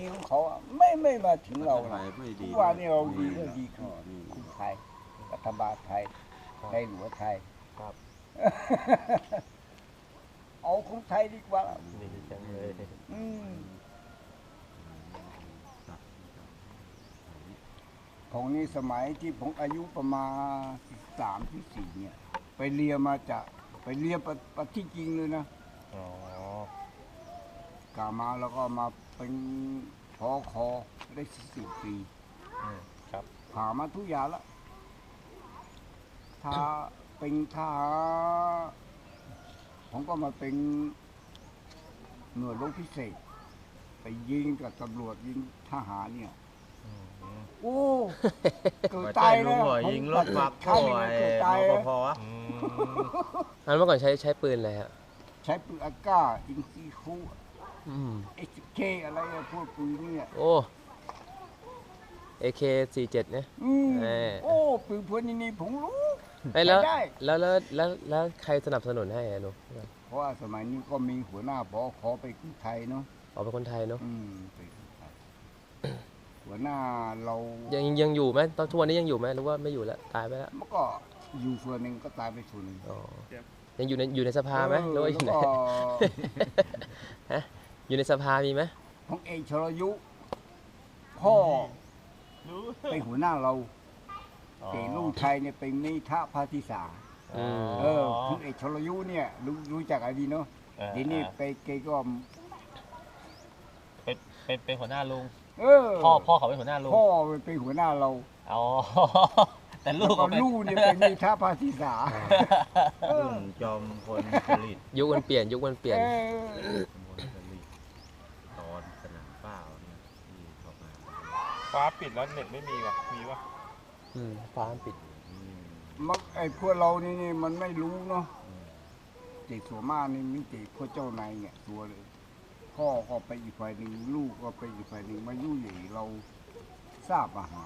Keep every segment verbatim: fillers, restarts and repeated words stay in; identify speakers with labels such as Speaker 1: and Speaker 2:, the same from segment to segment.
Speaker 1: ทีของเขาอะไม่ไม่มาถึงเรา
Speaker 2: ไท
Speaker 1: นะ
Speaker 2: ยไม่ดี
Speaker 1: ทุกวันนี้เราดี
Speaker 2: นี่
Speaker 1: ก็ดีคือ
Speaker 2: นี่
Speaker 1: คุณไทยรัฐบาลไทยในหลวงไทย
Speaker 3: ครับ
Speaker 1: เอาของไทยดีกว่า
Speaker 3: ดีจังเลย
Speaker 1: อืมของนี้สมัยที่ผมอายุประมาณสามที่สี่เนี่ย ไปเรียนมาจากไปเรียนประประที่จริงเลยนะ
Speaker 3: อ๋อก
Speaker 1: ลับมาแล้วก็มาเป็นพอคอได้สิบปี
Speaker 3: อืมครับ
Speaker 1: ผ่ามาทุกอย่างแล้วถ้าเป็นทหารผมก็มาเป็นหน่วยรบพิเศษ ไปยิงกับตำรวจยิงทหารเนี่ย
Speaker 3: อืม
Speaker 1: โอ้เกิด
Speaker 2: มา
Speaker 1: ตาย
Speaker 2: ลุ
Speaker 1: แล้
Speaker 2: ง
Speaker 1: ว
Speaker 2: หัวยิงรถบัก
Speaker 1: ข้า
Speaker 2: โอ้
Speaker 1: ง
Speaker 2: ย
Speaker 1: เกิด
Speaker 2: น
Speaker 1: ตาย
Speaker 2: ป
Speaker 1: แล้ว
Speaker 2: ภ
Speaker 3: อืม
Speaker 4: อันเมื่อก่อนใช้ใช้ปืนอะไรฮะ
Speaker 1: ใช้ปืนอากาศอินซีคู
Speaker 4: อืม
Speaker 1: เอชเคอะไรอะพวกปืนเนี่ย
Speaker 4: โอ้ เอ เค สี่สิบเจ็ดเนี่ย
Speaker 1: อืม
Speaker 4: เอ่อ
Speaker 1: โอ้ปืนพวกนี้นี่ผมรู้
Speaker 4: เอ้ยแล้ว
Speaker 1: ใช้ได้
Speaker 4: แล้วแล้วแล้วแล้วใครสนับสนุนให้อะหนู
Speaker 1: เพราะว่าสมัยนี้ก็มีหัวหน้าพอขอไปกรุงไทยเนาะ
Speaker 4: ออกเป็นคนไทยเนาะ
Speaker 1: อืมไปกรุงไทยหัวหน้าเรา
Speaker 4: ยังยังอยู่ไหมตอนทุกวันนี้ยังอยู่ไหมหรือว่าไม่อยู่แล้วตายไปแล้ว
Speaker 1: เมื่อก็อยู่ส่วนหนึ่งก็ตายไปส่วนหนึ่ง
Speaker 4: อ๋อยังอยู่ในอยู่ในสภาไหมหรือว่าอยู่ไหน
Speaker 1: แล้วก็
Speaker 4: ฮะอยู่ในสภามีไหม
Speaker 1: ของเอกชรยุ พ่อเป็นหัวหน้าเรา
Speaker 3: อ๋อ
Speaker 1: เอกลุงชัยเนี่ยเป็นนิทะพาธิสา
Speaker 3: อ๋อ
Speaker 1: เออคุณเอกชรยุเนี่ยรู้รู้จักอะไรดีเนาะ
Speaker 3: เออ
Speaker 1: ทีนี้ไปเกก็
Speaker 3: เป็นเป็นเป็นหัวหน้าลุง
Speaker 1: เออ
Speaker 3: พ่อพ่อเขาเป็นหัวหน้าลุง
Speaker 1: พ่อเป็นหัวหน้าเรา
Speaker 3: อ๋อ แต่ลู
Speaker 1: แล้ว
Speaker 3: ก
Speaker 1: ก็
Speaker 3: เขาเป็น
Speaker 1: ลูกเนี่ยเป็นนิทะพาธิสาเออ
Speaker 2: รุ่นจอมพลผลิต
Speaker 4: ยุคมันเปลี่ยนยุคมันเปลี่ยน
Speaker 1: เออ
Speaker 2: จอมพลผลิตตอนสนามเปล่าเนี่ยที่เขามา
Speaker 5: ฟ้าปิดแล้วเน็ตไม่มีวะมีวะ
Speaker 4: อืมฟ้ามันปิด
Speaker 2: อืม
Speaker 1: มักไอ้พวกเรานี่นี่มันไม่รู้เนาะเด็กส่วนมากนี่มีแต่พวกเจ้านายเนี่ยตัวเลย พ่อก็ไปอีกฝ่ายหนึ่งลูกก็ไปอีกฝ่ายหนึ่งมายุ่ยเหย่เราทราบอาหาร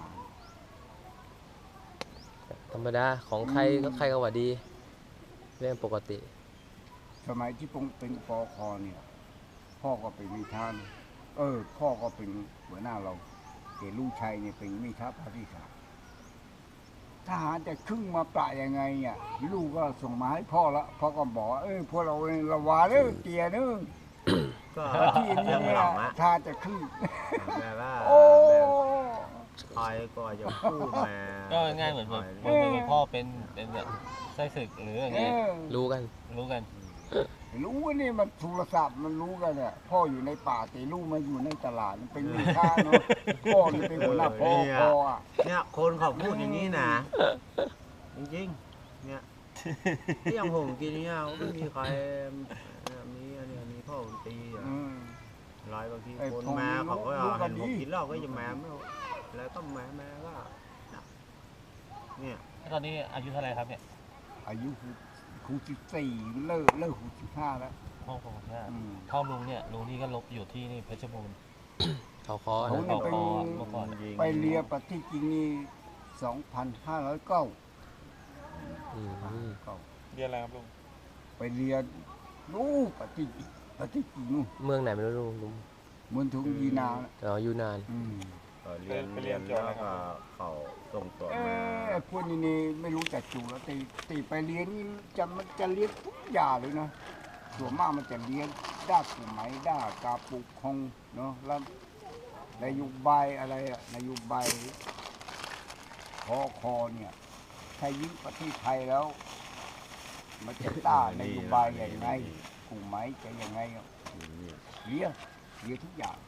Speaker 4: ธรรมดาของใคร
Speaker 1: อืม
Speaker 4: ก็ใครก็ว่าดี เรื่องปกติ
Speaker 1: สมัยที่ผมเป็นปอคอเนี่ย พ่อก็เป็นมิทานเออ พ่อก็เป็นหัวหน้าเราแต่ลูกชายเนี่ยเป็นมิทาพาธิสาทหารจะครึ่งมาปะยังไงอ่ะลูกก็ส่งมาให้พ่อละพ่อก็บอกว่าเออพวกเราเนี่ยระวาเด้อเตียเด้อ
Speaker 2: ก็
Speaker 1: ที่นี่
Speaker 2: เรื่อง
Speaker 1: เนี่
Speaker 2: ห
Speaker 1: ย
Speaker 2: ลังอะ
Speaker 1: ถ้าจะครึ่ง
Speaker 2: แบบว่า
Speaker 1: โอ้
Speaker 2: แบบใครก็จะพูดมา
Speaker 3: ก็ง่ายเหมือนเหมือน
Speaker 2: ค
Speaker 3: เหมือนเหมือนพ่อเป็นเป็นแบบไส้ศึกหรืออย่าง
Speaker 1: เอ
Speaker 3: เงี้ย
Speaker 1: อ
Speaker 4: รู้กัน
Speaker 3: รู้กัน
Speaker 1: รู้ว่านี่มันโทรศัพท์มันรู้กันเนี่ยพ่ออยู่ในป่าแต่ลูกมาอยู่ในตลาดมันเป็นมีค่าเนาะพ่อนี่เป็นหัวหน้าพ่อพ่ออ่ะ
Speaker 2: เนี่ยคนเขาพูดอย่างนี้นะจริงๆเนี่ยที่อย่างผมกินเนี่ยไม่มีใครเนี่ยมีอันเนี้ยมีพ่อผมตีอ่ะ
Speaker 1: อืม
Speaker 2: ลอยบางที
Speaker 1: ไอ้
Speaker 2: คน
Speaker 1: พวก
Speaker 2: มา
Speaker 1: นี้
Speaker 2: เขาก็
Speaker 1: รู้กั
Speaker 2: เห็
Speaker 1: น
Speaker 2: น
Speaker 1: ดี
Speaker 2: ผมกินเหล้าก็จะมาไม่เอาแล้วก็มามาก็เนี่ย
Speaker 3: ตอนนี้อายุเท่าไหร่ครับเนี่ย
Speaker 1: อายุคูสิบสี่เลิกเลิกคูสิบห้าแล้ว
Speaker 3: พ่อผมเนี่ย
Speaker 1: อืม
Speaker 3: พ่อลุงเนี่ยลุงนี่ก็ลบอยู่ที่นี่เพชรบูรณ์
Speaker 4: เขาคอ
Speaker 1: เขา
Speaker 4: นะ
Speaker 1: เนี่ยเป็น
Speaker 3: เมื่อก่อน
Speaker 2: ยิง
Speaker 1: ไปเรียนปฏิจริงนี่สองพันห้าร้อยเก้า
Speaker 4: อืม
Speaker 5: เรียนอะไรครับลุง
Speaker 1: ไปเรียนนู้ปฏิปฏิจริงนู่น
Speaker 4: เมืองไหนไม่รู้ลุงลุง
Speaker 1: เมืองทุงยีนาน่ะ
Speaker 4: อ๋ออยู่นาน
Speaker 1: อืม
Speaker 2: เขาเรียนเรียนแล้วก็เขาส่งตัว
Speaker 1: เอ
Speaker 2: มา
Speaker 1: อไอ้พวกนี้นี่ไม่รู้จักจูแล้วตีตีไปเรียนนี่จะมันจะเรียนทุกอย่างเลยนะส่วนมากมันจะเรียนด้านกฎหมายด้านการปกครองเนาะแล้วนโยบายอะไรอะนโยบายคอคอเนี่ยถ้ายิ่งประเทศไทยแล้ว มันจะต้านนโยบายอย่างไงกฎหมายจะยังไงอะเรียนเรียนทุกอย่าง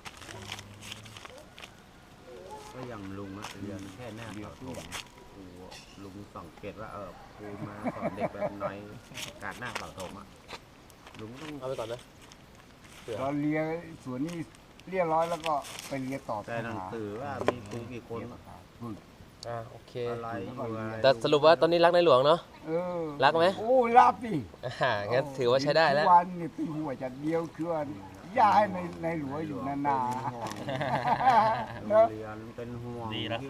Speaker 2: ก็อย่างลุงอะเรียนแค่หน้าเสาธงครูลุงสังเกตว่าเออครูมาสอนเด็กแบบน้อยการหน้าเสาธงอะลุงต้อง
Speaker 4: เอาไปก่อนไหมเผื่อ
Speaker 1: เราเรียนส่วนนี้เรียบร้อยแล้วก็ไปเรียนต่อ
Speaker 2: แต่หนัง
Speaker 1: ทหาร
Speaker 2: สือว่ามีครูกี่คน
Speaker 1: อืม
Speaker 4: อ่าโอเค
Speaker 2: อะไรอยู่อะไร
Speaker 4: แต่สรุปว่าตอนนี้รักในหลวงเนาะ
Speaker 1: เออ
Speaker 4: รักไหม
Speaker 1: โอ้รักดิ
Speaker 4: อ่างั้นถือว่าใช้ได้แล้ว
Speaker 1: ทุกวันนี่เป็นหัวจัดเดียวคือว่าอย่าให้ในในหลวงอยู่นานๆ
Speaker 2: โรง
Speaker 1: เนอะ
Speaker 2: เรียนเป็นห่วง
Speaker 3: ดีแล้ว